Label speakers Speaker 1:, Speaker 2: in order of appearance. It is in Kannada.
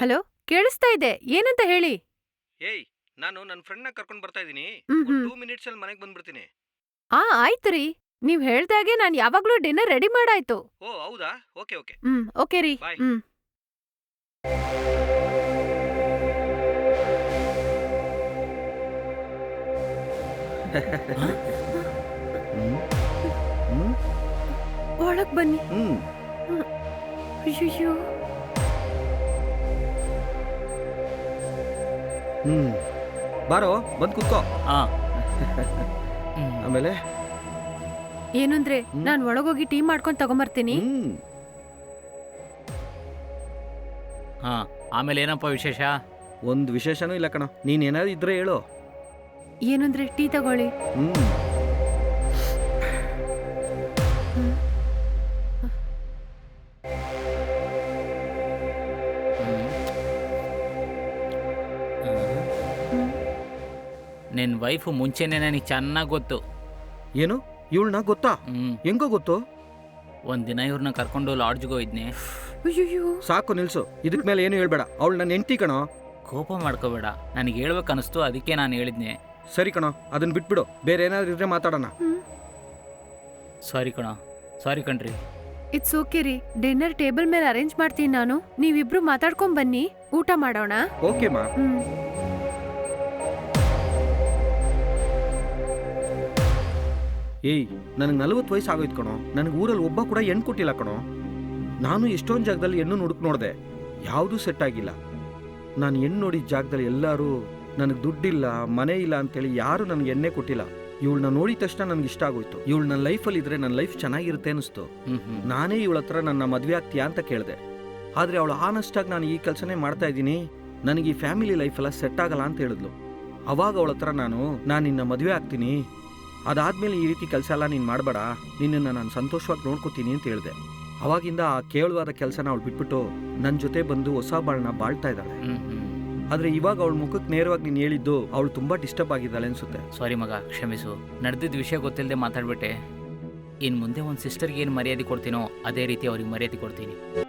Speaker 1: ಹಲೋ, ಕೇಳಿಸ್ತಾ ಇದೆ. ಏನಂತ ಹೇಳಿ?
Speaker 2: ಏಯ್, ನಾನು ನನ್ನ ಫ್ರೆಂಡ್ನ ಕರ್ಕೊಂಡು ಬರ್ತಾ ಇದ್ದೀನಿ.
Speaker 1: ಹ್ಮ್
Speaker 2: ಒಂದು
Speaker 1: ಹ್ಮ್
Speaker 2: 2 ಮಿನಿಟ್ಸಲ್ಲಿ ಮನೆಗೆ ಬಂದ್ಬಿಡ್ತೀನಿ.
Speaker 1: ಆಯ್ತು ರೀ. ನೀವ್ ಹೇಳ್ದಾಗೆ ನಾನ್ ಯಾವಾಗ್ಲೂ ಡಿನ್ನರ್ ರೆಡಿ ಮಾಡಾಯ್ತು.
Speaker 2: ಓ ಹೌದಾ? ಓಕೆ ಓಕೆ,
Speaker 1: ಓಕೆ ರೀ.
Speaker 2: ಬಾಯ್.
Speaker 1: ಒಳಗ್ ಬನ್ನಿ. ಅಯ್ಯಯ್ಯೋ.
Speaker 2: ಬಾರೋ, ಬಂದು ಕುತ್ಕೋ. ಆಮೇಲೆ
Speaker 1: ಏನಂದ್ರೆ ನಾನ್ ಒಳಗೋಗಿ ಟೀ ಮಾಡ್ಕೊಂಡ್ ತಗೊಂಬರ್ತೀನಿ.
Speaker 3: ಆಮೇಲೆ ಏನಪ್ಪ ವಿಶೇಷ?
Speaker 2: ಒಂದು ವಿಶೇಷನೂ ಇಲ್ಲ ಕಣ. ನೀನ್ ಏನಾದ್ರು ಇದ್ರೆ ಹೇಳು.
Speaker 1: ಏನಂದ್ರೆ ಟೀ ತಗೊಳ್ಳಿ.
Speaker 3: ನಿನ್ನ ವೈಫು ಮುಂಚೆನೇ ನನಗೆ ಚೆನ್ನಾಗಿ ಗೊತ್ತು.
Speaker 2: ಏನು? ಇವಳನ್ನ ಗೊತ್ತಾ? ಹೆಂಗೋ ಗೊತ್ತು?
Speaker 3: ಒಂದಿನ ಇವ್ರನ್ನ ಕರ್ಕೊಂಡು ಲಾಡ್ಜ್ಗೆ ಹೋಗಿದ್ನಿ.
Speaker 1: ಅಯ್ಯಯ್ಯೋ.
Speaker 2: ಸಾಕು ನಿಲ್ಸು. ಇದಕ್ ಮೇಲೆ ಏನು ಹೇಳ್ಬೇಡ. ಅವಳು ನನ್ನ ಹೆಂಡತಿ ಕಣೋ.
Speaker 3: ಕೋಪ ಮಾಡ್ಕೋಬೇಡ, ನನಗೆ ಹೇಳ್ಬೇಕು ಅನಿಸ್ತು, ಅದಕ್ಕೆ ನಾನು ಹೇಳಿದ್ನೆ.
Speaker 2: ಸರಿ ಕಣೋ, ಅದನ್ನ ಬಿಟ್ಬಿಡು. ಬೇರೆ ಏನಾದ್ರು ಇದ್ರೆ ಮಾತಾಡೋಣ.
Speaker 3: ಸಾರಿ ಕಣ, ಸಾರಿ ಕಣ್ರಿ.
Speaker 1: ಇಟ್ಸ್ ಓಕೆ ರೀ. ಡಿನ್ನರ್ ಟೇಬಲ್ ಮೇಲೆ ಅರೇಂಜ್ ಮಾಡ್ತೀನಿ ನಾನು. ನೀವಿಬ್ರು ಮಾತಾಡ್ಕೊಂಡ್ ಬನ್ನಿ, ಊಟ ಮಾಡೋಣ.
Speaker 2: ಓಕೆ ಮಾ. ಏಯ್, ನನಗೆ 40 ವಯಸ್ಸು ಆಗೋಯ್ತು ಕಣೋ. ನನಗೆ ಊರಲ್ಲಿ ಒಬ್ಬ ಕೂಡ ಹೆಣ್ಣು ಕೊಟ್ಟಿಲ್ಲ ಕಣೋ. ನಾನು ಎಷ್ಟೊಂದು ಜಾಗದಲ್ಲಿ ಹೆಣ್ಣು ಹುಡುಕ್ ನೋಡಿದೆ, ಯಾವುದೂ ಸೆಟ್ ಆಗಿಲ್ಲ. ನಾನು ಹೆಣ್ಣು ನೋಡಿದ ಜಾಗದಲ್ಲಿ ಎಲ್ಲರೂ ನನಗೆ ದುಡ್ಡಿಲ್ಲ, ಮನೆ ಇಲ್ಲ ಅಂತೇಳಿ ಯಾರೂ ನನಗೆ ಎಣ್ಣೆ ಕೊಟ್ಟಿಲ್ಲ. ಇವಳನ್ನ ನೋಡಿದ ತಕ್ಷಣ ನನಗೆ ಇಷ್ಟ ಆಗೋಯ್ತು. ಇವಳು ನನ್ನ ಲೈಫಲ್ಲಿ ಇದ್ರೆ ನನ್ನ ಲೈಫ್ ಚೆನ್ನಾಗಿರುತ್ತೆ ಅನಿಸ್ತು. ನಾನೇ ಇವಳ ಹತ್ರ ನನ್ನ ಮದುವೆ ಆಗ್ತೀಯಾ ಅಂತ ಕೇಳಿದೆ. ಆದರೆ ಅವಳು ಆನೆಸ್ಟಾಗಿ ನಾನು ಈ ಕೆಲಸನೇ ಮಾಡ್ತಾ ಇದ್ದೀನಿ, ನನಗೆ ಈ ಫ್ಯಾಮಿಲಿ ಲೈಫೆಲ್ಲ ಸೆಟ್ ಆಗಲ್ಲ ಅಂತ ಹೇಳಿದ್ಲು. ಅವಾಗ ಅವಳ ಹತ್ರ ನಾನು ನಿನ್ನ ಮದುವೆ ಆಗ್ತೀನಿ, ಅದಾದ್ಮೇಲೆ ಈ ರೀತಿ ಕೆಲಸ ಎಲ್ಲ ನೀನು ಮಾಡಬೇಡ, ನಿನ್ನನ್ನು ನಾನು ಸಂತೋಷವಾಗಿ ನೋಡ್ಕೋತೀನಿ ಅಂತ ಹೇಳಿದೆ. ಅವಾಗಿಂದ ಆ ಕೇವಲವಾದ ಕೆಲಸನ ಅವಳು ಬಿಟ್ಬಿಟ್ಟು ನನ್ನ ಜೊತೆ ಬಂದು ಹೊಸ ಬಾಳನ್ನ ಬಾಳ್ತಾ ಇದ್ದಾಳೆ. ಆದರೆ ಇವಾಗ ಅವಳ ಮುಖಕ್ಕೆ ನೇರವಾಗಿ ನೀನು ಹೇಳಿದ್ದು ಅವಳು ತುಂಬ ಡಿಸ್ಟರ್ಬ್ ಆಗಿದ್ದಾಳೆ ಅನ್ಸುತ್ತೆ.
Speaker 3: ಸಾರಿ ಮಗ, ಕ್ಷಮಿಸು. ನಡೆದಿದ್ದ ವಿಷಯ ಗೊತ್ತಿಲ್ಲದೆ ಮಾತಾಡ್ಬಿಟ್ಟೆ. ಇನ್ನು ಮುಂದೆ ಒಂದು ಸಿಸ್ಟರ್ಗೆ ಏನು ಮರ್ಯಾದೆ ಕೊಡ್ತೀನೋ ಅದೇ ರೀತಿ ಅವ್ರಿಗೆ ಮರ್ಯಾದೆ ಕೊಡ್ತೀನಿ.